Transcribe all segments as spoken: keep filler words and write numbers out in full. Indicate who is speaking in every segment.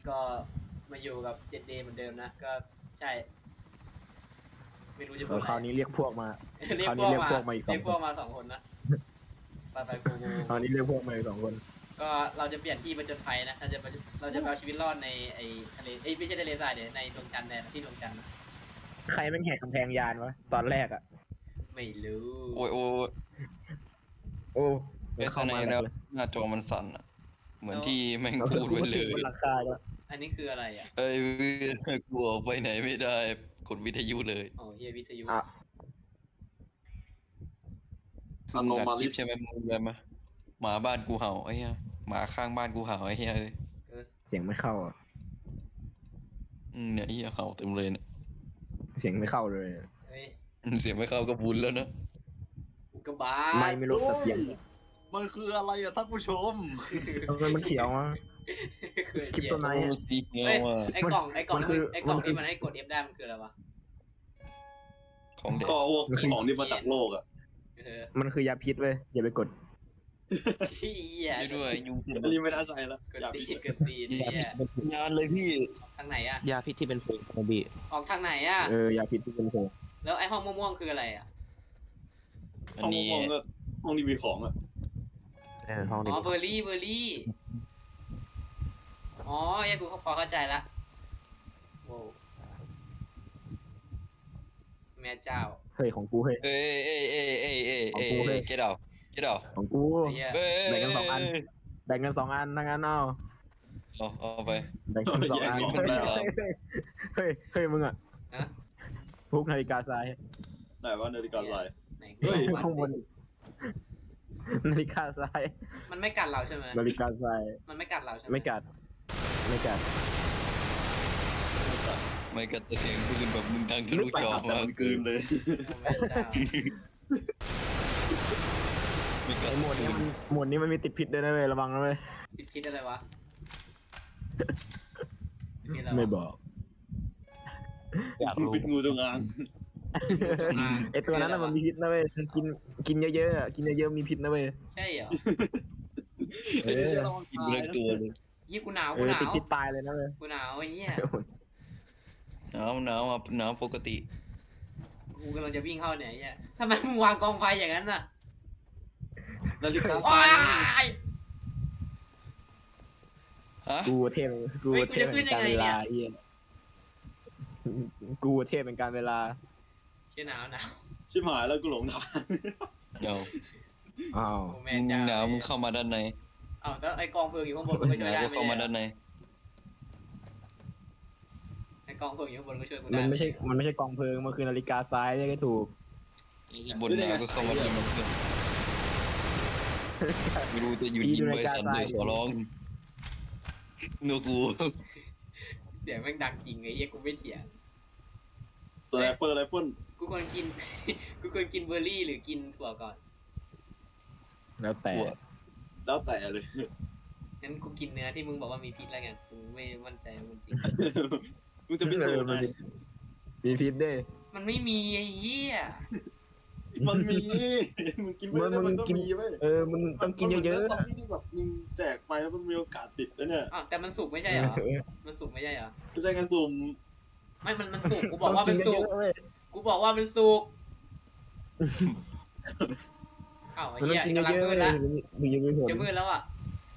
Speaker 1: ก็มาอยู่กับ เจ็ด เดย์ เหมือนเดิมนะ ก็ใช่ ไม่รู้จะพูดอะไร
Speaker 2: คราวนี้เรียกพวกมา
Speaker 1: เรียก
Speaker 2: คราว
Speaker 1: พ
Speaker 2: นี้
Speaker 1: วก
Speaker 2: เรียก
Speaker 1: มา
Speaker 2: พวกมาอีกส
Speaker 1: เรี
Speaker 2: อย ง
Speaker 1: ก
Speaker 2: ค
Speaker 1: พวน กมาสองคนนะ ไปไปกูกู
Speaker 2: คราวนี้เรียกพวกมาอีกสองคน
Speaker 1: ก็เราจะเปลี่ยนที่ประจนภัยนะ เราจะไปเราจะไปเอาชีวิตรอดในไอ้ทะเล เอ้ยไม่ใช่ทะเลทรายเดี๋ยวในดวงจันทร์แทนที่ดวงจันทร์นะ
Speaker 2: ใครแม่งแหกกำแพงยานวะตอนแรกอ่ะ
Speaker 1: ไม่รู้
Speaker 3: โอ้ยโอ้ย
Speaker 2: โอ้
Speaker 3: เอสไนแล้วหน้าจอมันสั่นอะเหมือนที่แม่งพูดไว้เลย
Speaker 2: บนหลังคาแล้ว
Speaker 1: อันนี้คืออะไรอ่ะ
Speaker 3: เอ้ยกลัวไปไหนไม่ได้กดวิทยุเลย
Speaker 1: อ๋อเฮียวิทยุ
Speaker 2: อ่ะ
Speaker 3: คือมึงอัดคลิปใช่ไหมมึงเลยมาหมาบ้านกูเห่าไอ้เหี้ยหมาข้างบ้านกูเห่าไอ้เหี้ยเลย
Speaker 1: เออ
Speaker 2: เสียงไม่เข้าอ่ะ
Speaker 3: อืมเนี่ยไอ้เหี้ยเห่าเต็มเลยเนี่ย
Speaker 2: เสียงไม่เข้าเลย
Speaker 1: เฮ้ย
Speaker 3: อืมเสียงไม่เข้าก็บุญแล้วนะ
Speaker 1: อุกกาบา
Speaker 2: ไม่
Speaker 1: ต
Speaker 2: ไม่รู้แต่เสียง
Speaker 4: มันคืออะไรอะท่านผู้ชม
Speaker 2: ทำไมมันเขียวอ่ะ
Speaker 1: คือ
Speaker 2: คลิปตัวไหน
Speaker 3: โอ้สีเขียว
Speaker 1: เฮ้ย
Speaker 3: อ่ะ
Speaker 1: ไอ้กล่องไอ้กล่อง
Speaker 2: มัน
Speaker 1: ที่
Speaker 2: คือ
Speaker 1: มันไอ้กล่อง
Speaker 2: มันคือ
Speaker 1: ที่มันให้กด F ได้มันคืออะไรวะ
Speaker 3: ของเด็ก
Speaker 4: ก็พวกของที่มาจากโลกอะ
Speaker 1: เออ
Speaker 2: มันคือยาพิษเว้ยอย่าไปกด
Speaker 1: เฮีย
Speaker 3: ด้วยยุง
Speaker 4: อันนี้ไม่น่าใช่แล้ว
Speaker 1: เกิด
Speaker 4: อย่า
Speaker 1: ตี
Speaker 4: พิ
Speaker 1: นเกิดตีนเฮีย
Speaker 3: งานเลยพี่
Speaker 1: ทางไหนอ่ะ
Speaker 5: ยาพิษที่เป็นผงโมบิ
Speaker 1: ออกทางไหนอ่ะ
Speaker 2: เออยาพิษที่เป็นโค
Speaker 1: แล้วไอ้ห้องม่วงๆคืออะไรอ่ะ
Speaker 3: อัน
Speaker 4: ห้อง
Speaker 3: นี้
Speaker 4: มองก็ห้องนี้มีของอะ
Speaker 5: เออห้อง
Speaker 1: อ๋
Speaker 5: นี้
Speaker 1: อเบอร์รี่เบอร์รี่ อ๋อเฮียกูพอเข้าใจละโว้วแม่เจ้า
Speaker 2: เฮ้ยของกูเฮ้ย
Speaker 3: เอ้ยเอ้ยเอ้ยเอ้ยเอ้ยเอ้ย
Speaker 2: ของกูเฮ้
Speaker 3: เอ้
Speaker 2: ย
Speaker 3: ยเกดเอาเกดเอา
Speaker 2: ของกู
Speaker 1: ไอ้เหี้ย
Speaker 3: เอ้ย
Speaker 2: แบ่งกันสองอัน แบ่งกันสองอันนั่งกันเอา
Speaker 3: เอาเอาไป
Speaker 2: แบ่งกันสองอัน
Speaker 3: แยกของ
Speaker 2: เฮ้ย
Speaker 3: ได้สาม
Speaker 2: เฮ้ยเฮ้ยมึงอ่ะ
Speaker 1: ฮะ
Speaker 2: พวกนาฬิกาทราย
Speaker 4: ไหนว่านาฬิกาทราย
Speaker 1: ไหน
Speaker 4: เฮ้ย
Speaker 2: ข้างบนนาฬิกาทราย
Speaker 1: มันไม่กัดเราใช่ไหม
Speaker 2: นาฬิกาทราย
Speaker 1: มันไม่กัดเราใช่ไหม
Speaker 2: ไม่กัดไม่กัด
Speaker 3: ไม่กระเสียงปืนแบบมึงดังทะลุ
Speaker 4: ไป
Speaker 3: จอ
Speaker 4: หาแต่
Speaker 3: มา
Speaker 4: มันกลืนเลย
Speaker 1: โอ้แม่เจ้า
Speaker 3: ไม่กระ
Speaker 2: ไอหมวดนี้มันหมวดนี้มันมีติดพิษด้วยนะเว้ยระวังนะเว้ย
Speaker 1: พิษพิษอะไรวะพิษอะไรวะ
Speaker 2: ไม่บอก
Speaker 5: อยาก
Speaker 4: มัน
Speaker 5: รู้
Speaker 4: เป็นงูจงอาง
Speaker 2: ไอตัวนั้นน่ะมันมีพิษนะเว้ยกินกินเยอะๆอะกินเยอะๆมีพิษนะเว้ย
Speaker 1: ใช่เหรอ
Speaker 2: เออ
Speaker 3: กินไปเลยตัวเลย
Speaker 1: ยี่กูหนาว
Speaker 2: เอ
Speaker 1: กู
Speaker 2: อ
Speaker 1: หนา
Speaker 2: ติด
Speaker 1: ว
Speaker 2: พิษตายเลยนะเว้ย
Speaker 1: กูหนาวไอ้เหี้ย
Speaker 3: หนาวหนาวอ่ะหนาวปกติ
Speaker 1: กูกำลังจะวิ่งเข้าเนี่ยไอ้เหี้ยทำไมมึงวางกองไฟอย่างนั้นน่ะ
Speaker 4: นาฬิกาท
Speaker 1: โอ้
Speaker 4: ราย
Speaker 1: ย
Speaker 3: ฮะ
Speaker 2: กูเทพกู
Speaker 1: เฮ้ยกู
Speaker 2: เท
Speaker 1: จะ
Speaker 2: พ
Speaker 1: ขึ้
Speaker 2: เป็น น
Speaker 1: ยั
Speaker 2: กาง ร
Speaker 1: ไง
Speaker 2: เว
Speaker 1: เนี่
Speaker 2: ลาย เหี้ยกูเทพเป็นการเวลา
Speaker 1: เชี่ยหนาวหนาว
Speaker 4: ชิบหายแล้วกูหลงทาง
Speaker 3: เดี๋ยว
Speaker 2: อ้าว
Speaker 1: โอ้แม่
Speaker 3: มึง
Speaker 1: เจ้า
Speaker 3: หนาวมึงเข้ามาด้านใน
Speaker 1: อ้าวแล้วไอ้กองเพลิงอยู่ข้างบนมึงก็
Speaker 3: ห
Speaker 1: ช่วย
Speaker 3: นาว
Speaker 1: ได้
Speaker 3: ก็
Speaker 1: ไหม
Speaker 3: เข้ามาด้านใน
Speaker 1: ไอ้กองเพลิงอยู่ข้างบนก็ช่วยกู
Speaker 2: มั
Speaker 1: ได้
Speaker 2: นไม่ใช่มันไม่ใช่กองเพลิงมันคือนาฬิกาทรายเนี่ยก็ถูก
Speaker 3: บนหนาวก็เข้ามาด้านในเพื่อนไม่รู้จะอยู่ยิงใบสันเลยขอร้องเนื้อกู
Speaker 1: เสียงแม่งดังจริงไอ้เหี้ยกูไม่เถียง
Speaker 4: สไนเปอร์ไรเฟิล
Speaker 1: กูควรกิน กูควรกินเบอร์รี่หรือกินถั่วก่อน
Speaker 2: แล้วแต่
Speaker 3: ตัว
Speaker 4: แล้วแต่เลย
Speaker 1: งั้นกูกินเนื้อที่มึงบอกว่ามีพิษแล้วกันกูไม่มั่นใจว่ามันจริง
Speaker 4: กูจะพิสูจน์
Speaker 2: มั
Speaker 4: ไง
Speaker 2: มีพิษด้วย
Speaker 1: มันไม่มีไอ้เหี้ย
Speaker 4: มันมีมึงกินไปแล้วมันก็มีเว้ย
Speaker 2: เออมึงต้องกินเยอะ
Speaker 4: ๆซอมบี้ที่แบบมึงแจกไปแล้วมันมีโอกาสติดนะเนี่ย
Speaker 1: อ้าวแต่มันสุกไม่ใช่เหรอ มันสุกไม่ใช่เหรอ
Speaker 4: ไม่ใช่การสุ่ม
Speaker 1: ไม่ มัน มันสุก กูบอกว่ามันสุก
Speaker 2: เว้ย
Speaker 1: กูบอกว่ามันสุกอ้าวไอ้
Speaker 2: มันต้อ
Speaker 1: เหี้
Speaker 2: ง
Speaker 1: ย
Speaker 2: กิน
Speaker 1: กำลัง
Speaker 2: เยอะ
Speaker 1: มื
Speaker 2: ๆ
Speaker 1: ดแล้ว
Speaker 2: มียังไม่ผล
Speaker 1: จะมืดแล้วอ่ะ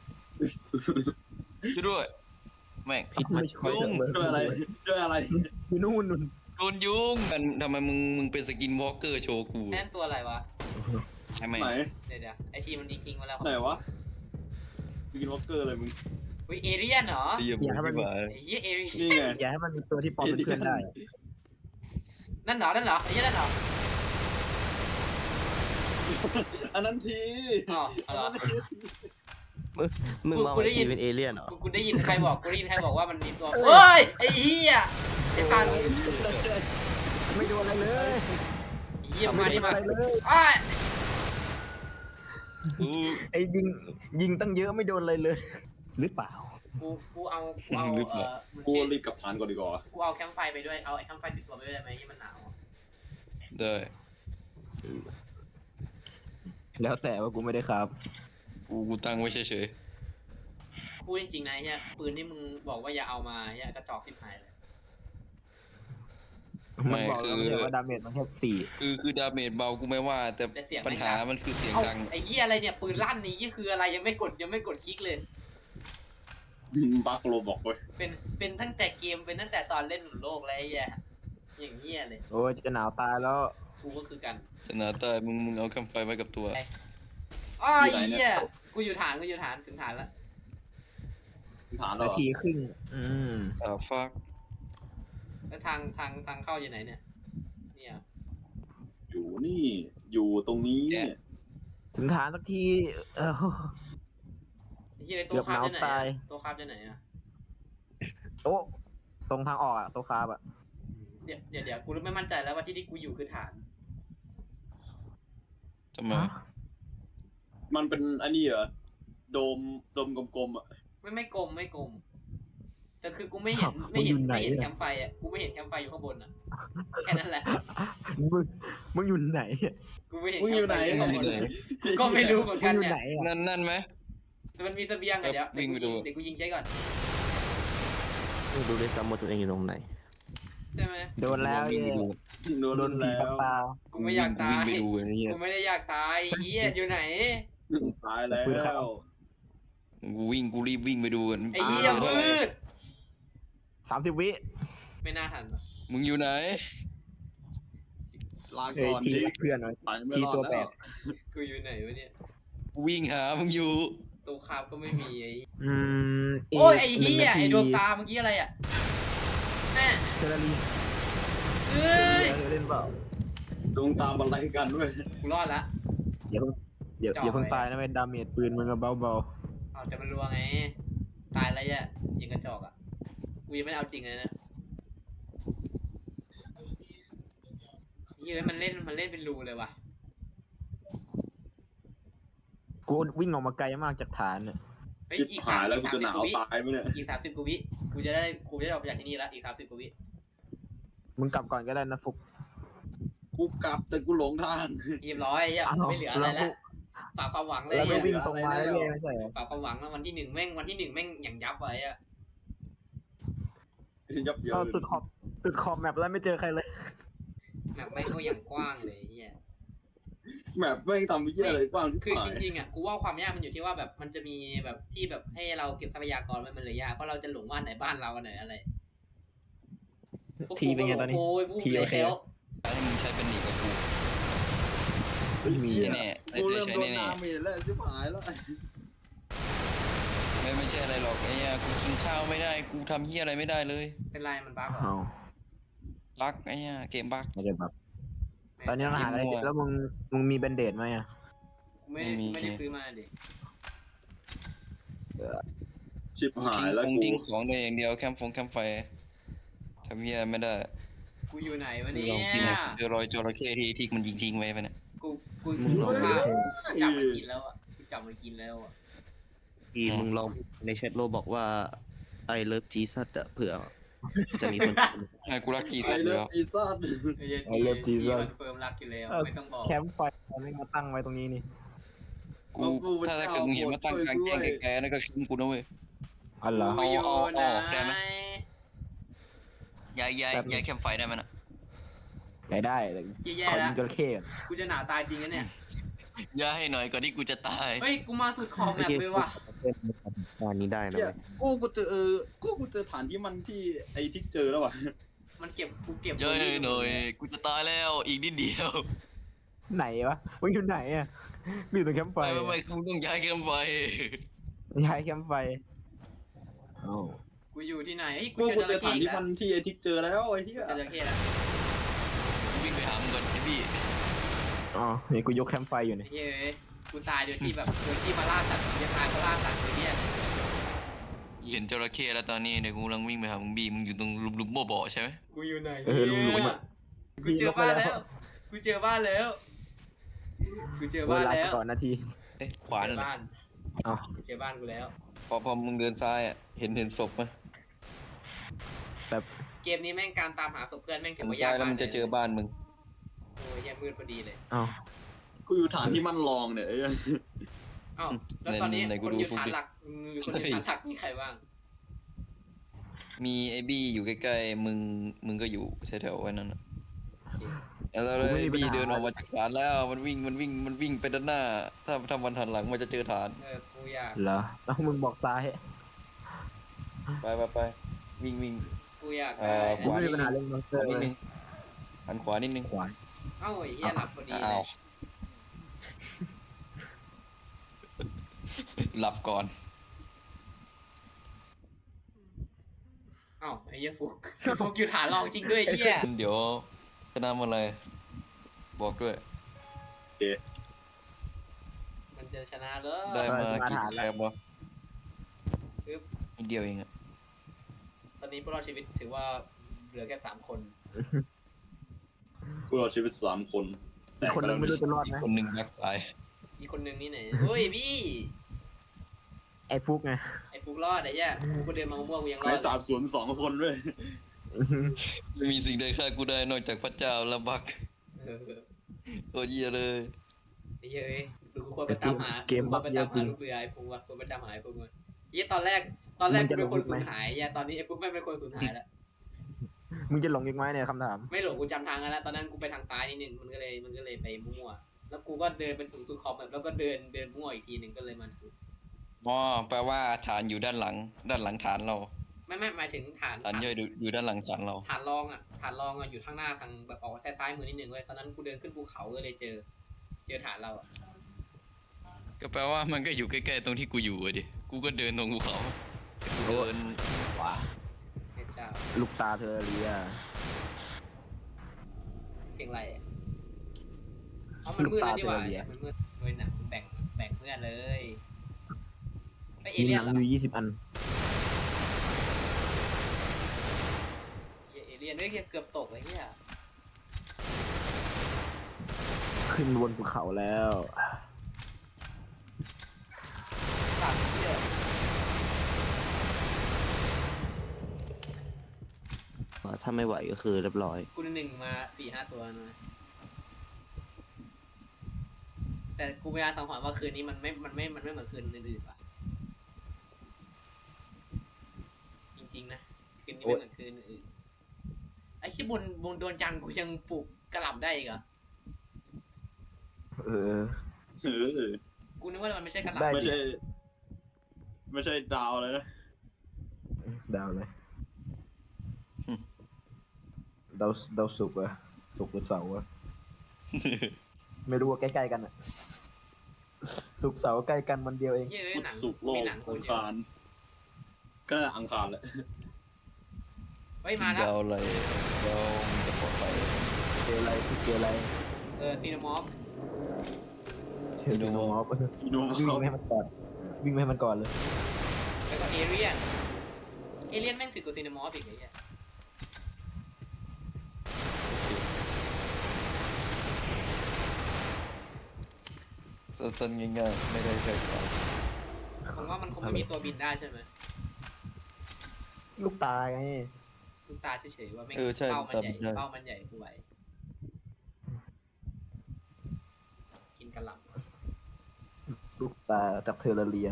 Speaker 3: ช่วยด้วยแม่ง
Speaker 5: พิษ
Speaker 2: ไม่
Speaker 5: มัน
Speaker 2: ช่วย
Speaker 3: ยุ่ง
Speaker 4: ด้วยอะไรด้วยอะไร
Speaker 2: อยู่นู่นนู่น
Speaker 3: โดนยุงกันทำไมมึงมึงเป็นสกินวอล์กเกอร์โชว์กู
Speaker 1: แน่นตัวอะไรวะ
Speaker 3: ใช่ไหม
Speaker 4: ไหน
Speaker 1: เดี๋ยวเดี๋ยวไอทีมันทิ้งๆมาแล้ว
Speaker 4: ไหนวะสกินวอล์กเกอร์อะไรมึง
Speaker 1: อุ้ยเอเรียนเหรอ
Speaker 3: ไอ้เหี้ยบอกที่ว่า
Speaker 1: ไอ้เหี้ยเอเรียน
Speaker 4: นี่ไง
Speaker 2: อย่าให้มันมีตัวที่ปลอมเป็นเพื่อนได้
Speaker 1: นั่นเหรอ นั่นเหรอ ไอ้เหี้ยนั่นเหรอ
Speaker 4: อันนั้นที
Speaker 1: อ๋อเอา
Speaker 4: อัน
Speaker 1: เหรอ
Speaker 4: นั้นที
Speaker 5: มึงมอง
Speaker 1: กูได้
Speaker 5: ไอ้
Speaker 1: ยิน
Speaker 5: ทีเป็นเอเลี่ยนเหรอ
Speaker 1: กูกูได้ยินใครบอก กูได้ยินใครบอกว่ามันมีตัวเฮ้ย ไอ้เหี้ยไอ้พัน
Speaker 2: ไม่โดนอะไรเลย
Speaker 1: ไอ้เหี้ย
Speaker 2: ไม่
Speaker 1: มา
Speaker 2: โด
Speaker 1: ดิ
Speaker 2: น
Speaker 1: มา
Speaker 2: อะไรเลย
Speaker 1: อ้าย
Speaker 3: อู้
Speaker 2: ไอ้ยิงยิงตั้งเยอะไม่โดนอะไรเลย หรือเปล่า
Speaker 1: กู กูเอา กูเอาเอ่อมึง
Speaker 4: กู
Speaker 1: เช็ค
Speaker 4: รีบกลับฐานก่อนดีกว่า
Speaker 1: กูเอาแคมป์ไฟไปด้วย เอาไอ้แคมป์ไฟติดตัวไปด้วยได้ไหมที่มันหนาวอะ
Speaker 3: ได้
Speaker 2: แล้วแต่ว่ากูไม่ได้ครับ
Speaker 3: กูกูตั้งไว้เฉย
Speaker 1: กูพูดจริงๆนะเฮียปืนที่มึงบอกว่าอย่าเอามาเฮียกระจอกทิพหายเลย
Speaker 2: มันบอกแล้วไม่ใช่ว่าดาเมจมันแค่สี่
Speaker 3: คือคือดาเมจเบากูไม่ว่า แต่
Speaker 1: แต่เสียง
Speaker 3: ปัญหา
Speaker 1: แม่งดัง
Speaker 3: มันคือเสียง
Speaker 1: เอ้า
Speaker 3: ดัง
Speaker 1: ไอ้เหี้ยอะไรเนี่ยปืนลั่นนี่ยี่คืออะไรยังไม่กดยังไม่กดคลิกเลย
Speaker 4: บักโลบอกเว้ย
Speaker 1: เป็นเป็นตั้งแต่เกมเป็นตั้งแต่ตอนเล่นหนุนโลกแล้วไอ้เหี้ยอย่างเหี้ยเลย
Speaker 2: โอ้ยจะหนาวตายแล้ว
Speaker 1: กูก็คือกัน
Speaker 3: จะหนาตายมึงมึงเอาคำไฟไว้กับตัว
Speaker 1: อ้อไอ้เหี้ยกูอยู่ฐานกูอยู่ฐานถึงฐานแล้ว
Speaker 4: ฐานเหร
Speaker 2: นา
Speaker 4: อ
Speaker 2: ทีครึ่งอืม
Speaker 3: อ่าฟัก
Speaker 1: แล้วทางทางทางเข้าอยู่ไหนเนี่ยเนี่ย
Speaker 4: อยู่นี่อยู่ตรงนี้
Speaker 2: ถึงฐานสักทีเออ
Speaker 1: ไอ้เหี้ยไอ้ตัวคาบจะไหน
Speaker 2: เกือบหนาวตาย
Speaker 1: อะตัวคาบจะไหนอะ
Speaker 2: โอ้ตรงทางออกอะโต๊ะคาบอะ
Speaker 1: เดี๋ยวเดี๋ยวเดี๋ยวกูไม่มั่นใจแล้วว่าที่ที่กูอยู่คือฐาน
Speaker 3: ทำไม
Speaker 4: มันเป็นอันนี้เหรอโดมโดมกลมๆอ่ะ
Speaker 1: ไม่ไม่กลมไม่กลมแต่คือกูไม่เห็นไม่เห็นไม่เห็นแคมป์ไฟอ่ะกูไม่เห็นแคมป์ไฟอยู่ข้างบนอ่ะแค่นั้นแหละ
Speaker 2: มึงมึงอยู่ไหนอะ
Speaker 1: กูไม่เห็น
Speaker 4: มึงอยู่ไหน
Speaker 1: แคมป์ฟอยู่ข้างบนก็ไม่รู้เหมือน
Speaker 2: มึ
Speaker 1: กั
Speaker 2: ง
Speaker 1: น
Speaker 2: อยู่
Speaker 1: เนี่ย
Speaker 2: ไหนอะ
Speaker 3: นั่นนั่นไหม
Speaker 1: แต่มันมีเสบียงอะเดี๋ยว
Speaker 3: วิ่งไปดู
Speaker 1: เดี๋ยวกูยิงใช้ก่อน
Speaker 5: ไม่รู้ด้วยซ้ำว่าตัวเองอยู่ตรงไหน
Speaker 1: ใช่ไหม
Speaker 2: โดนแล้ว
Speaker 3: วิ่ง
Speaker 2: เย่
Speaker 3: ไปดู
Speaker 4: โดน
Speaker 2: โดนผี
Speaker 4: แล้
Speaker 2: ปัก
Speaker 4: ว
Speaker 2: ตา
Speaker 1: กูไม่อยากตา
Speaker 3: วิ่ง
Speaker 1: ย
Speaker 3: ไปดูไอ้เนี่ย
Speaker 1: กูไม่ได้อยากตายเฮียอยู่ไหน
Speaker 4: ตายแล้ว
Speaker 3: กูวิ่งกูรีบวิ่งไปดูกัน
Speaker 1: ไอ้เฮียมืด
Speaker 2: สามสิบวิ
Speaker 1: ไม่น่าทัน
Speaker 3: มึงอยู่ไหน
Speaker 4: ลา
Speaker 2: เอ้ย
Speaker 4: ก่อน
Speaker 2: ที
Speaker 4: ดิ
Speaker 2: เพื่อนหน่อย
Speaker 4: ไปไม่
Speaker 2: ที
Speaker 4: รอด
Speaker 2: ตัวแป
Speaker 4: แล้
Speaker 2: ด
Speaker 4: ว
Speaker 1: กูอยู่ไหนวะเนี่ย
Speaker 3: กูวิ่งหามึงอยู่
Speaker 1: ตัวคาบก็ไม่มีไอ้
Speaker 2: อืม
Speaker 1: โอ้ยไอ้
Speaker 2: หนึ่
Speaker 1: เฮี
Speaker 2: ง
Speaker 1: ย
Speaker 2: นาที
Speaker 1: ไอ้ดวงตาเมื่อกี้อะไรอ่ะแม่
Speaker 2: เทเลรี
Speaker 1: เอ้ย
Speaker 2: เล่นเปล่า
Speaker 4: ดวงตามอะไรกันด้วย
Speaker 1: กูรอดละ
Speaker 2: อย่าเพิ่งอย่า
Speaker 1: จ่อ
Speaker 2: อย่าเพิ่ง
Speaker 1: ไว้
Speaker 2: ตายนะเว้ยดาเมจปืนมึงก็เบา
Speaker 1: เอาแต่มันรัวไงตายแล้วแย่ยิงกระจอกอ่ะกูยังไม่ได้เอาจริงเลยนะเฮ้ยมันเล่นมันเล่นเป็นรูเลยว่ะ
Speaker 2: ๆกูวิ่งออกมาไกลมากจากฐานเนี่ย
Speaker 1: เฮ้ย
Speaker 4: ชิบ
Speaker 1: อีก
Speaker 4: หายแล้ว
Speaker 1: อี
Speaker 4: กู
Speaker 1: ก
Speaker 4: จะหนาว
Speaker 1: สมสิบกว่
Speaker 4: ตายไหมเนี่ย
Speaker 1: อีกสามสิบกว่าวิกูจะได้กูจะได้ออกไปจากที่นี่แล้วอีกสามสิบกว่าวิ
Speaker 2: มึงกลับก่อนก็ได้นะฟุก
Speaker 4: กูกลับแต่กูหลงทาง
Speaker 1: เรียบร้อยอ่ะ
Speaker 2: อ้าว
Speaker 1: ไม่เหลืออะไรแล้วฝากความหวังเลย
Speaker 2: แล้วก็
Speaker 1: อะ
Speaker 2: วิ่งตรงมาเรื่อยๆไม่ใช่เหรอ
Speaker 1: ฝากความหวังแล้ววันที่หนึ่งแม่งวันที่หนึ่งแม่งอย่างยับไว้อะ
Speaker 4: ยับเยิ
Speaker 2: เอา
Speaker 4: น
Speaker 2: สุดขอบสุดขอบแมปแล้วไม่เจอใครเลย
Speaker 1: แบบแม่งก็อย่างกว้างเลยเฮีย
Speaker 4: แมปแม่งทำไม่เยี่ยอะไรกว้างที่
Speaker 1: คือ
Speaker 4: หา
Speaker 1: จ
Speaker 4: ย
Speaker 1: ริงๆอ่ะกูว่าความยากมันอยู่ที่ว่าแบบมันจะมีแบบที่แบบให้เราเก็บทรัพยากรไว้มันเลยยากเพราะเราจะหลงว่าไหนบ้านเราอันไหนอะไร
Speaker 2: ทีเป็นไงตอนนี้
Speaker 1: โอ้ยวูบ
Speaker 2: ที
Speaker 1: เล
Speaker 2: โอย เค
Speaker 1: แล้ว
Speaker 3: ให้มึงใช้เป็นหนีกับกู
Speaker 2: ไม่มี
Speaker 4: เชี่ย
Speaker 3: แน่ๆได้
Speaker 4: กู
Speaker 3: ได้
Speaker 4: เริ่ม
Speaker 3: ใช้
Speaker 4: โดน
Speaker 3: แน่
Speaker 4: ดาเมจแล้วชิบหายแล้ว
Speaker 3: ๆไม่ไม่ใช่อะไรหรอกไอ้เหี้ยกูกินข้าวไม่ได้กูทำเหี้ยอะไรไม่ได้เลย
Speaker 1: เป็นไรมันบ้าเหรอ
Speaker 2: เอา
Speaker 3: บักไอ้เหี้ยเกมบัก
Speaker 2: ไม่ได้แบบตอนนี้ต้องหาอะไรแล้วมึงมึงมีแบนเดดไหมอ่ะ
Speaker 1: กูไม่ได้ไม่ได้ซื้อมาดิ
Speaker 4: ชิบหายแล้ว
Speaker 3: ทิ้ง
Speaker 4: กู
Speaker 3: ทิ้งของได้อย่างเดียวแคมป์ฟงแคมป์ไฟทำเหี้ยไม่ได้
Speaker 1: กูอยู่ไหนวะเนี่
Speaker 3: เนี่ย ยเจอรอยจระเข้ที่ที่มันยิงทิ้งไว้ปะเนี่ย
Speaker 1: กูกู
Speaker 2: มึงลอง
Speaker 1: กู
Speaker 2: ดู
Speaker 1: จับมันกินแล้วอ่ะกูจับมันกินแล้วอ่ะ
Speaker 5: อีมึงลองในแชทโลบอกว่าไอเลิฟจีซัดอะเผื่อจะมีคน
Speaker 3: ไอ้กูรักจี
Speaker 4: ไอ
Speaker 3: สัตว์
Speaker 4: เลิ
Speaker 3: แล้
Speaker 4: ฟ
Speaker 3: ว
Speaker 4: จีซ่า
Speaker 1: ไอ้เหี้ย
Speaker 2: I love
Speaker 1: ที่
Speaker 2: Jesus
Speaker 1: คอนเฟิร์มรักอยู่แล้วไม่ต้องบอก
Speaker 2: แคมป์ไฟไม่มาตั้งไว้ตรงนี้นี่
Speaker 3: กูถ้าถ้าเกิดมึงเห็นว่าตั้งกลางแจ้งไกลๆนั่นก็คิมกูนะเว้ย
Speaker 2: อ๋อเหรอ
Speaker 1: กูอยู่
Speaker 3: เอาเอา
Speaker 1: ไหน
Speaker 3: ออกได้ไหม ย้ายย้ายย้ายแคมป์ไฟได้ไหมน่ะ
Speaker 2: ได้ได้แต่
Speaker 1: แย่
Speaker 2: ขอ
Speaker 1: ๆแล้
Speaker 2: ยิ
Speaker 1: ว
Speaker 2: งจระเข้ก่อน
Speaker 1: กูจะหนาวตายจริงนะเนี่ย
Speaker 3: ย้ายให้หน่อยก่อนที่กูจะตาย
Speaker 1: เฮ้ยกูมาสุดขอบแมปเลยว่ะ
Speaker 5: งานนี้ได้นะ
Speaker 4: เนี่ย
Speaker 5: เว้ย
Speaker 4: กูกูเจอเออกูกูเจอฐานที่มันที่ไอที่เจอแล้วว่ะ
Speaker 1: มันเก็บกูเก็บ
Speaker 3: ย้ายให้หน่อยกูจะตายแล้วอีกนิดเดียว
Speaker 2: ไหนวะมึงอยู่ไหนอ่ะมึงอยู่ตรงแคมป์ไฟ
Speaker 3: ไม่ไม่ไม่กูต้องย้ายแคมป์ไฟ
Speaker 2: ย้ายแคมป์ไฟเอ้า
Speaker 1: กูอยู่ที่ไหนเฮ้ย
Speaker 4: กู
Speaker 1: กู
Speaker 4: กู
Speaker 1: เจ
Speaker 4: เจ
Speaker 1: อ
Speaker 4: อ
Speaker 1: จระ
Speaker 4: ฐาน
Speaker 1: เข้
Speaker 4: ที่
Speaker 1: แล้
Speaker 4: มั
Speaker 1: วน
Speaker 4: ที่ไอที่เจอแล้วไอ้ที่
Speaker 1: เจอจระเข้แล้ว
Speaker 3: กูวิ่งไปหามึงก่อนไอ้พี่
Speaker 2: อ๋อนี่กูยกแคมป์ไฟอยู่
Speaker 1: ไอ้
Speaker 2: เนี่ย
Speaker 1: เฮ้ยกูตายโดยที่แบบโดยที่มาล่าสัตว์กูจะตายเพราะล่าสัตว์ตัวเนี้ย
Speaker 3: เห็นจระเข้แล้วตอนนี้เดี๋ยวกูกำลังวิ่งไปหามึงบีมึงอยู่ตรงลุมลุมบ่อบ่อใช่ไหม
Speaker 1: กูอยู่ไหน
Speaker 2: เออลุงลุงอ่ะ
Speaker 1: กูเจอบ้านแล้ว กูเจอบ้านแล้ว กูเจอ
Speaker 2: เว
Speaker 1: บ้าน
Speaker 2: ลา
Speaker 1: แล้ว
Speaker 2: ก่อนนาที
Speaker 3: เอ๊ะขวา
Speaker 1: เจ
Speaker 3: นั่
Speaker 1: อน
Speaker 3: แหละ
Speaker 1: บ้าน
Speaker 2: อ๋อ
Speaker 1: กูเจอบ้านกูแล้ว
Speaker 3: พอพอมึงเดินซ้ายอ่ะเห็นเห็นศพไหม
Speaker 2: แบบ
Speaker 1: เกมนี้แม่งการตามหาศพเพื่อนแม่งถื
Speaker 3: เห็
Speaker 1: อน ว่า
Speaker 3: ซ้าย
Speaker 1: าย ก
Speaker 3: แล้ว
Speaker 1: มาก
Speaker 3: มันจะเจอบ้านมึง
Speaker 1: โอ้ยแย่มืดพอดีเลย
Speaker 2: เอ้า
Speaker 4: กูอยู่ฐานที่มันรองเนี่ยไอ้
Speaker 1: เอ้าวแล้วตอนนี้
Speaker 3: ไหนๆกู
Speaker 1: คน
Speaker 3: ดู
Speaker 1: อยู่
Speaker 3: ฟุก
Speaker 1: ฐาน
Speaker 3: ดิ
Speaker 1: หลักอืมคนอยู่ฐานหลักมีใครบ้าง
Speaker 3: มีไอ้บี้อยู่ใกล้ๆมึงมึงก็อยู่แถวๆไว้นั่นน่ะ
Speaker 1: โอเค
Speaker 3: แล้ว
Speaker 2: กูไม่
Speaker 3: ไอ้
Speaker 2: มีปัญ
Speaker 3: บี้
Speaker 2: หา
Speaker 3: เดินออกมาจากฐานแล้วมันวิ่งมันวิ่งมันวิ่งไปด้านหน้า ถ้าถ้ามันหันหลังมันจะเจอฐาน
Speaker 1: เออกูอยาก
Speaker 2: เหรอแล้วมึงบอกซ้าย
Speaker 3: ไปไปไปวิ่งวิ่ง
Speaker 1: กูอยาก
Speaker 3: เอ่
Speaker 1: ได้
Speaker 3: อ
Speaker 2: กูไม่มีปัญหาเรื่องมอนสเต
Speaker 3: ข
Speaker 2: อ
Speaker 3: วา
Speaker 2: ร์
Speaker 3: นิด
Speaker 2: เล
Speaker 3: นึ
Speaker 2: ย
Speaker 3: งหันขวานิดนึง
Speaker 2: ขวา
Speaker 1: เอ้าไอ้เหี้ยหลับพอดีเล
Speaker 3: อ้าวย หลับก่อน
Speaker 1: เอ้าไอ้เหี้ยฟุก ฟุกอยู่ฐานรองจริงด้วยไอ้เหี้ย
Speaker 3: เดี๋ยวจะนำอะไร บอกด้วย
Speaker 1: มันจะชนะเลย
Speaker 3: ได้มา
Speaker 2: เออมา
Speaker 3: กี่
Speaker 2: ฐาน
Speaker 3: ส
Speaker 2: แล้ว
Speaker 3: แครบวะ
Speaker 1: ปึ๊บ
Speaker 3: นิดเดียวเองอะ
Speaker 1: ตอนนี้ผู้รอดชีวิตถือว่าเหลือแค่สามคน
Speaker 4: พวกเราชีวิตสามคนแต
Speaker 2: อีก
Speaker 4: ก
Speaker 2: คน
Speaker 4: ไป
Speaker 2: นึ
Speaker 4: แล้
Speaker 2: ง
Speaker 4: ว
Speaker 2: ไม่รู้จะรอดไหม
Speaker 3: คนหนึ่งแบ็คตาย
Speaker 1: อีกคนนึงนี่ไหนเฮ้ยพี่
Speaker 2: ไอ้ฟุกไง
Speaker 1: ไอ้ฟุกรอดไอ้เหี้ยกูก็เดินมาม่วงๆกูยังรอ
Speaker 4: ใน
Speaker 1: ด
Speaker 4: สามสวนสองคนด้วย
Speaker 3: ไม่มีสิ่งใดฆ่ากูได้นอกจากพระเจ้าและบัก
Speaker 1: เออ
Speaker 3: ตัวเหี้ยเลย
Speaker 1: ไอ้เหี้ยเอ้ยกูควรไปตามหา
Speaker 2: เกม
Speaker 1: กูคว
Speaker 2: บั
Speaker 1: ร
Speaker 2: ก
Speaker 1: ไป
Speaker 2: เย
Speaker 1: ตา
Speaker 2: อะ
Speaker 1: ม
Speaker 2: จริ
Speaker 1: หาง ลูกเรือไอ้ฟุกวะควรไปตามหาไอ้ฟุกวะเหี้ยตอนแรกตอนแรก
Speaker 2: มึ
Speaker 1: กู
Speaker 2: งจะ
Speaker 1: เป็นคน
Speaker 2: ลงลึกไหม
Speaker 1: สูญหายไอ้เหี้ยตอนนี้ไอ้ฟุกไม่งเป็นคนสูญหายแล้ว
Speaker 2: มึงจะหลงอีกไหมเนี่ยคำถาม
Speaker 1: ไม่หลงกูจำทางกันแล้วตอนนั้นกูไปทางซ้ายนิดนึงมันก็เลยมันก็เลยไปมั่วๆแล้วกูก็เดินไปถึงสุดขอบแบบแล้วก็เดินเดินมั่วอีกทีหนึ่งก็เลยมันถูก
Speaker 3: อ๋อแปลว่าฐานอยู่ด้านหลัง ด้านหลังฐานเรา
Speaker 1: ไม่ไม่หมายถึงฐาน
Speaker 3: ฐานย่อยอยู่อยู่ด้านหลังฐานเรา
Speaker 1: ฐานรองอ่ะฐานรองอ่ะอยู่ข้างหน้าทางแบบออกซ้ายซ้ายมือนิดนึงเว้ยตอนนั้นกูเดินขึ้นภูเขาก็เลยเจอ เจอฐานเราอ่ะ
Speaker 3: ก็แปลว่ามันก็อยู่ใกล้ๆตรงที่กูอยู่อะดิ กูก็เดินตรงภูเขากูเดินขวา
Speaker 1: พระเจ้า
Speaker 2: ลูกตาเธอเรีย
Speaker 1: เสียงอะไรอะอ๋อมันมืดแล้วนี่หว่ามันมืดเลยหนักแบ่งแบ่งเพื่อนเลยไอเอ
Speaker 2: มี
Speaker 1: เลี่
Speaker 2: ห
Speaker 1: ยน
Speaker 2: นัง
Speaker 1: เหรอ
Speaker 2: อยู่ยี่สิบอัน
Speaker 1: เอเลี่ยนเฮ้ยเกือบตกเลยเนี่ย
Speaker 2: ขึ้นบนภูเขาแล้ว
Speaker 1: ตัดเหี้ย
Speaker 5: ถ้าไม่ไหวก็คือเรียบร้อย
Speaker 1: กูหนึ่งมาสี่ห้าตัวนะแต่กูพยายามสังหรณ์ว่าคืนนี้มันไม่มันไม่มันไม่เหมือนคืนอื่นๆว่ะจริงๆนะคืนนี้ไม่เหมือนคืนอื่นไอ้ที่บนบนดวงจันทร์กูยังปลูกกระหล่ำได้อีกเหรอ
Speaker 2: เออ
Speaker 4: เออ
Speaker 1: กูนึกว่ามันไม่ใช่กระห
Speaker 2: ได้
Speaker 1: ล่ำ
Speaker 4: ไม่ใช่ ไม่ใช่ดาวเลยนะ
Speaker 2: ดาวเลยดาวดาวศุกร์อะศุกร์หรือเสาร์อะไม่รู้ว่าใกล้ๆกันอะศุกร์เสาร์ใกล้กันวันเดียวเอง
Speaker 1: เฮ้ย
Speaker 4: พุธ
Speaker 1: หนัง
Speaker 4: ศุกร์โล
Speaker 1: มี
Speaker 4: ก
Speaker 1: หนัง
Speaker 4: อังคารก็น่าจะอังคารแหละ
Speaker 1: เฮ้ยมาแล้ว
Speaker 3: ดาวอะไรดาวมันจะปลอดภัย
Speaker 2: เจออะไรคือเจออะไร
Speaker 1: เออซีนามอฟ
Speaker 2: เจอโนมอฟ
Speaker 4: ซีโน
Speaker 2: วิ่ง
Speaker 4: เขา
Speaker 2: ไม่ให้มันก่อนวิ่งไม่ให้มันก่อนเลย
Speaker 1: แล้วก็เอเลียนเอเลียนแม่งถึงกว่าซีนามอฟอีกไอ้เหี้ย
Speaker 3: สั้นๆง่ายๆไม่ได้ใช้ความ
Speaker 1: ผมว่ามันคงไม่มีตัวบินได้ใช่ไหม
Speaker 2: ลูกตาไง
Speaker 1: ลูกตาเฉยๆว่าไม่ง
Speaker 3: เออใช่
Speaker 1: เป้ามัน
Speaker 3: ตาม
Speaker 1: ใหญ่
Speaker 3: ได้
Speaker 1: เป้ามันใหญ่กูไหวกินกระหล่ำ
Speaker 2: ลูกตาจากเทอร์เรีย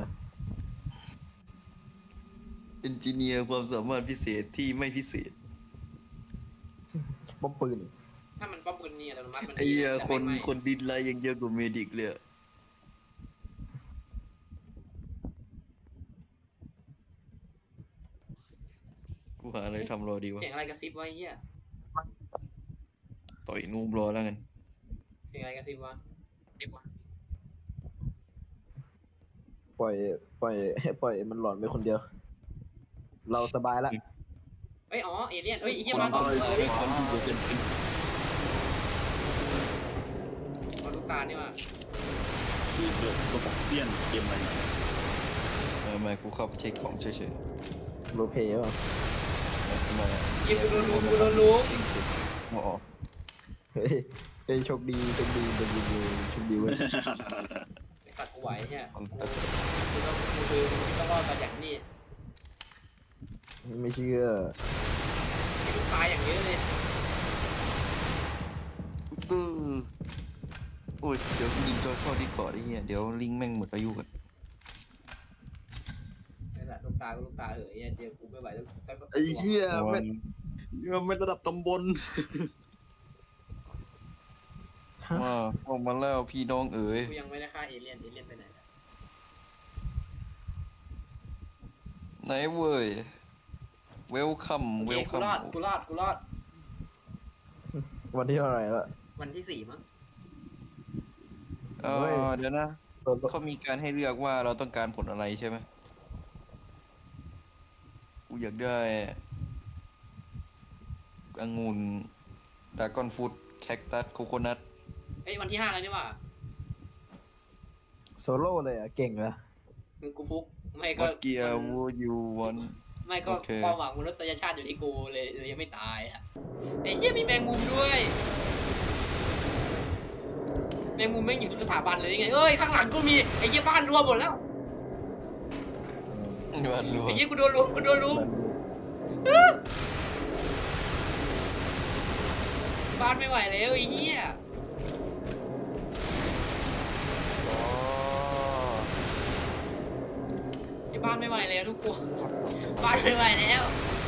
Speaker 3: เอนจิเนียร์ความสามารถพิเศษที่ไม่พิเศษ
Speaker 2: ป้อมปืน
Speaker 1: ถ้ามันป้อมปืนนี่อัตโนมัติมัน
Speaker 3: ไอ้เหี้ย
Speaker 1: แต่
Speaker 3: คน
Speaker 1: ไม่
Speaker 3: คนดินไลยังเยอะกว่าเมดิกเลยอะกูหาอะไรทำรอดีวะ
Speaker 1: เสียงอะไรกระซิบวะไอ้เหี้ย
Speaker 3: ต่อยนูบรอแล้วกัน
Speaker 1: เสียงอะไรกระซิบวะเด็กวะ
Speaker 2: ปล่อยปล่อยให้ปล่อยมันหลอนไปคนเดียว เราสบายละ
Speaker 1: เอ้ยอ๋อเอเลี่ยนเอ้ยไอ้
Speaker 3: ค
Speaker 1: เหี้ย
Speaker 3: น
Speaker 1: มาสองตัวเลย
Speaker 3: คนที่ดูเป็นเป็น
Speaker 1: เอาลูกตานี่ว่ะ
Speaker 4: ที่เกิดตัวบอกเซียนเกมอะไรเนี่ย
Speaker 3: เออไม่กูเข้าไปเช็คของเฉย
Speaker 2: โรลเพลย์ป่ะ
Speaker 3: ๆมา
Speaker 1: เหี้ยกูโดนรู้กูโดนรู้
Speaker 3: เช็คเสร็จอ๋อ
Speaker 2: เฮ้ยเฮ้ยโชคดีโชคดีโชคดีโชคดีเว้ย
Speaker 1: ไอ้สัตว์กูไหวเนี่ยกูกูต้องกูคือกูต้องรอดมาอย่างนี้
Speaker 2: ไม่เชื่อ
Speaker 1: ไอ้ลูกตาอย่างเยอะเลย
Speaker 3: ตื้อโอ้ยเดี๋ยวกูดึงจอยเข้าดิสคอร์ดไอ้เหี้ยเดี๋ยวลิงก์แม่งหมดอายุกัน
Speaker 1: าก็ลูกตาเหยเจอกูไม่ไหวแล้วสักสัก
Speaker 4: ไอ้เชี่ย
Speaker 3: โอ้
Speaker 4: แม่
Speaker 3: ย
Speaker 4: งมันระดับตำบล
Speaker 3: ว่าออกมาแล้วพี่น้องเอ๋ย
Speaker 1: กูยังไม่ได้ฆ่าเอเลี่ยนเอเลี่ยนไปไหนแล้ว
Speaker 3: ไหนเว้ยเวลคัม
Speaker 1: โอ
Speaker 3: เว
Speaker 1: เค
Speaker 3: ล
Speaker 1: กู
Speaker 3: คัม
Speaker 1: รอดกูรอดกูรอด
Speaker 2: วันที่เท่าไหร่ละ
Speaker 1: วันที่สี่มั้ง
Speaker 3: เอ
Speaker 2: เฮ้ย
Speaker 3: อเดี๋ยวนะ เขามีการให้เลือกว่าเราต้องการผลอะไรใช่ไหมกูอยากได้องุ่นดากอนฟูดแคคตัสโคโคนัท
Speaker 1: เอ้ยวันที่ห้าแล้วนี่หว่า
Speaker 2: โซโล่เลยอ่ะ เก่งนะ
Speaker 1: มึงกูฟุกไม่ก็
Speaker 3: วัดเกียร์วูยูวัน
Speaker 1: ไม่ก็
Speaker 3: โอเค
Speaker 1: ความหวังมนุษยชาติอยู่ที่กูเลยเลยยังไม่ตายอ่ะไอ้เหี้ยมีแมงมุมด้วยแมงมุมไม่งอยู่ทุกสถาบันเลยไงเอ้ยข้างหลังก็มีไอ้เหี้ยบ้านรวมหมดแล้ว
Speaker 3: วันรัว
Speaker 1: ไอ้เหี้ยกูโดนลุมกูโดนลุมบ้านไม่ไหวแล้วไอ้เหี้ย
Speaker 3: อ๋อ
Speaker 1: ที่บ้านไม่ไหวแล้วทุกคนบ้านไม่ไหวแล้ว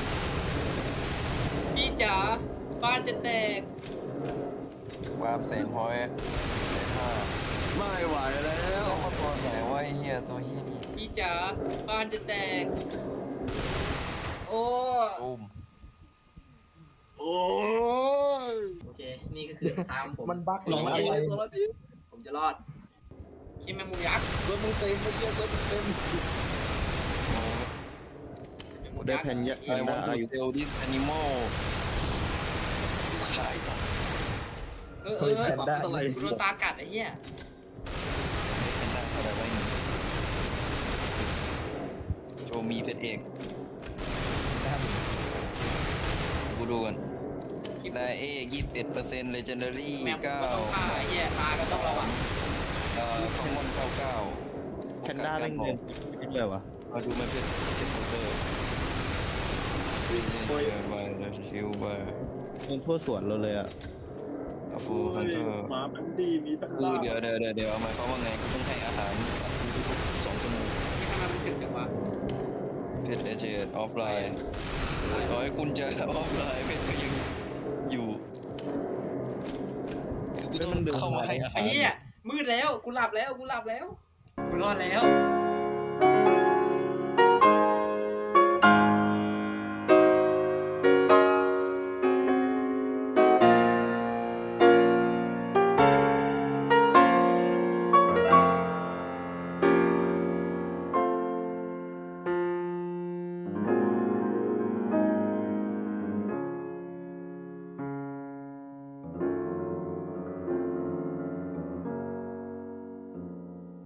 Speaker 1: พี่จ๋าบ้านจะแตก
Speaker 3: วามแสนพอยต์แสนห้า
Speaker 4: ไม่ไหวแล้ว
Speaker 3: แล้วมาตัวไหนวะไอ้เฮียตัวเฮียนี่
Speaker 1: พี่จ๋าบ้านจะแตกโอ้
Speaker 3: ตุ้ม
Speaker 4: โอ้ย
Speaker 1: โอเคนี่ก็คือทางผม
Speaker 2: มันบั๊กหร
Speaker 4: ล
Speaker 2: อ
Speaker 4: อง
Speaker 2: อะ
Speaker 4: เอ
Speaker 2: ไร
Speaker 4: ตัวละที
Speaker 1: ผมจะรอดคิดแมงมุมยักษ์
Speaker 4: เซิร์ฟมึงเต็มเมื่อกี้เซิร์ฟมึงเต็ม
Speaker 1: แมงมุม
Speaker 5: ได้
Speaker 1: ยักษ์
Speaker 5: แผ่นยะ
Speaker 3: ไอ้วันทูเซลดิสแอนิมอลกูขายสัตว์
Speaker 1: เออเออเออ
Speaker 4: สับไม่เท่าไหร่
Speaker 1: กูโดนตากัดไอ้เหี้ย
Speaker 3: ไม่เป็นได้เท่าไหร่ไว้หนึ่งโชว์มีเพชรเอกกูดูกันได้เอกยี่สิบเอ็ดเปอร์เซ็นต์เลเจนดารี่
Speaker 1: แมงมุม
Speaker 3: เก้า
Speaker 1: ก็ต้องฆ่าไอ้เหี้ยตาก็ต้องระวัง
Speaker 3: เอ่อคอมมอนเก้าเก้า
Speaker 5: แพนด้าแม่งเดินไปด้วยวะ
Speaker 3: มาดูมันเพชรเพชรโคเตอร์รีเจนเจอร์บายฮิลบาย
Speaker 5: มันทั่วสวนเราเลยอ่ะ
Speaker 3: อะฟูฮันเตอร์
Speaker 4: หมาแพนดี้มีแพน
Speaker 3: กู
Speaker 4: ด้า
Speaker 3: เดี๋ยวเดี๋ยวเดี๋ยวเดี๋ยวหมายความว่าไงกูต้องให้อาหารสัตว์กูทุกๆสิบสองชั่วโมง
Speaker 1: นี่ทำไมมันถึงจังวะ
Speaker 3: เพชรเอเจนออฟไลน์ต่อให้คุณจะออฟไลน์เพชรก็ยังอยู่คือกูต้องเข้ามาให้อา
Speaker 1: ไอ้
Speaker 3: หาร
Speaker 1: เหี้ยมืดแล้วกูหลับแล้วกูหลับแล้วกูรอดแล้ว